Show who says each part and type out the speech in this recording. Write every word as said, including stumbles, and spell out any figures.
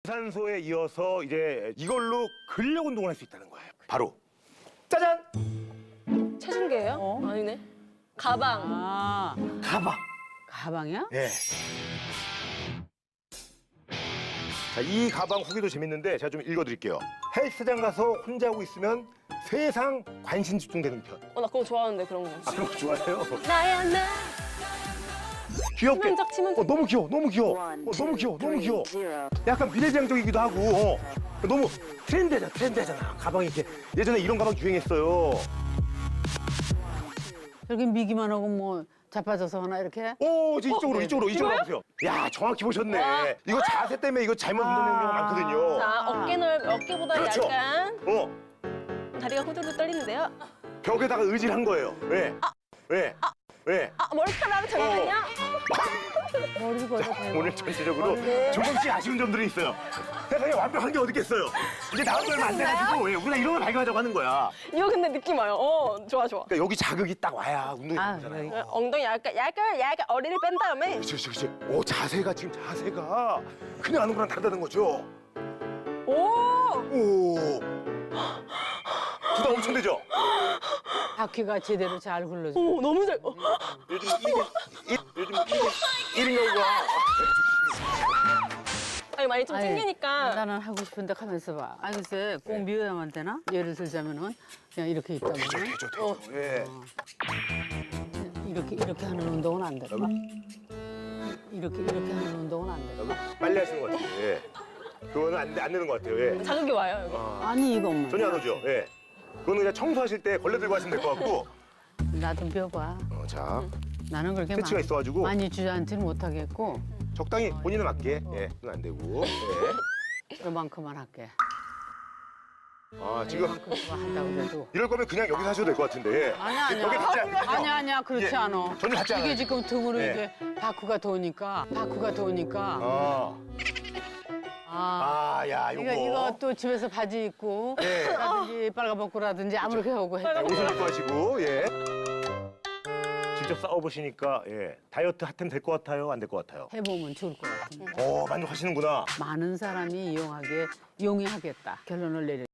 Speaker 1: 유산소에 이어서 이제 이걸로 근력 운동을 할 수 있다는 거예요. 바로 짜잔!
Speaker 2: 체중계예요?
Speaker 3: 어?
Speaker 2: 아니네. 가방.
Speaker 3: 아,
Speaker 1: 가방.
Speaker 3: 가방이야?
Speaker 1: 예. 자, 이 가방 후기도 재밌는데 제가 좀 읽어드릴게요. 헬스장 가서 혼자 하고 있으면 세상 관심 집중되는 편.
Speaker 2: 어, 나 그거 좋아하는데, 그런 거.
Speaker 1: 아, 그런 거 좋아해요?
Speaker 2: 나야, 나.
Speaker 1: 귀엽게.
Speaker 2: 치명적, 치명적.
Speaker 1: 어, 너무 귀여워, 너무 귀여워. 어, 너무 귀여워, 너무 귀여워. 약간 비대장적이기도 하고. 어. 너무 트렌드잖아, 트렌드잖아. 가방이 이렇게. 예전에 이런 가방 유행했어요.
Speaker 3: 저렇게 미기만 하고 뭐 자빠져서 하나 이렇게?
Speaker 1: 오, 이제 이쪽으로,
Speaker 3: 네.
Speaker 1: 이쪽으로, 이쪽으로 가보세요. 야, 정확히 보셨네. 이거 자세 때문에 이거 잘못 운동하는 경우가 많거든요.
Speaker 2: 자, 어깨 넓, 어깨보다
Speaker 1: 그렇죠.
Speaker 2: 약간
Speaker 1: 어,
Speaker 2: 다리가 후들후들 떨리는데요.
Speaker 1: 벽에다가 의지를 한 거예요. 왜? 왜? 왜?
Speaker 2: 아, 머리카락을 잠깐만요.
Speaker 3: 머리를 걷어 대고.
Speaker 1: 오늘 전체적으로
Speaker 2: 네.
Speaker 1: 조금씩 아쉬운 점들이 있어요. 세상에 완벽한 게 어디 있겠어요. 이제 나온 지 얼마 안 돼가지고 왜 우리가 이런 걸 발견하자고 하는 거야.
Speaker 2: 이거 근데 느낌 와요. 어, 좋아, 좋아.
Speaker 1: 그러니까 여기 자극이 딱 와야 운동이
Speaker 3: 아,
Speaker 1: 되잖아요.
Speaker 3: 여기.
Speaker 2: 어, 엉덩이 약간, 약간, 약간 어리를 뺀 다음에.
Speaker 1: 그렇지, 그렇지, 그렇지. 오, 자세가 지금 자세가 그냥 하는 거랑 다르다는 거죠.
Speaker 2: 오!
Speaker 1: 오, 부담 엄청 되죠.
Speaker 3: 바퀴가 제대로 잘 굴러줘.
Speaker 2: 오, 너무 잘. 어.
Speaker 1: 요즘 이게 일, 요즘 이게 일인 경우가
Speaker 2: 아니, 많이 좀
Speaker 3: 아니,
Speaker 2: 튕기니까.
Speaker 3: 나는 하고 싶은데 가만있어 봐. 아니 글쎄 꼭 미워야만 되나? 예를 들자면은 그냥 이렇게 있다
Speaker 1: 되죠,
Speaker 3: 보면
Speaker 1: 되죠, 되죠. 예.
Speaker 3: 이렇게 이렇게 하는 운동은 안 돼. 이렇게 이렇게 하는 운동은 안 돼.
Speaker 1: 빨리 하시는 것 같아요. 예. 그거는 안, 돼- 안 되는 것 같아요. 예.
Speaker 2: 자극이 와요, 이거.
Speaker 1: 아,
Speaker 3: 아니 이것만.
Speaker 1: 전혀 안 오죠. 예. 그거는 그냥 청소하실 때 걸레 들고 하시면 될 것 같고.
Speaker 3: 나 좀 배워봐.
Speaker 1: 어, 자,
Speaker 3: 나는 그렇게
Speaker 1: 패치가
Speaker 3: 많이,
Speaker 1: 있어가지고
Speaker 3: 많이 주저앉지는 못하겠고
Speaker 1: 적당히 본인에 맞게. 예, 그건 안 되고. 예.
Speaker 3: 이만큼만 할게.
Speaker 1: 아, 지금
Speaker 3: 이만큼 한다고 그래도.
Speaker 1: 이럴 거면 그냥 여기서 하셔도 될 것 같은데. 예.
Speaker 3: 아니야 아니야.
Speaker 1: 벽에 닿지 않거든요.
Speaker 3: 아니야 아니야 그렇지
Speaker 1: 예.
Speaker 3: 않아.
Speaker 1: 전혀 닿지 않아요.
Speaker 3: 이게 지금 등으로
Speaker 1: 예.
Speaker 3: 이게 바쿠가 도니까 바쿠가 도니까.
Speaker 1: 아,
Speaker 3: 아.
Speaker 1: 아, 야, 요거.
Speaker 3: 이거 이거 또 집에서 바지 입고
Speaker 1: 예.
Speaker 3: 라든지 빨가벗고라든지 아무렇게 하고 해.
Speaker 1: 자, 옷을 입고 하시고, 예. 직접 싸워보시니까, 예. 다이어트 핫템 될 것 같아요? 안 될 것 같아요?
Speaker 3: 해보면 좋을 것 같은데.
Speaker 1: 어, 만족하시는구나.
Speaker 3: 많은 사람이 이용하게 용이하겠다 결론을 내려.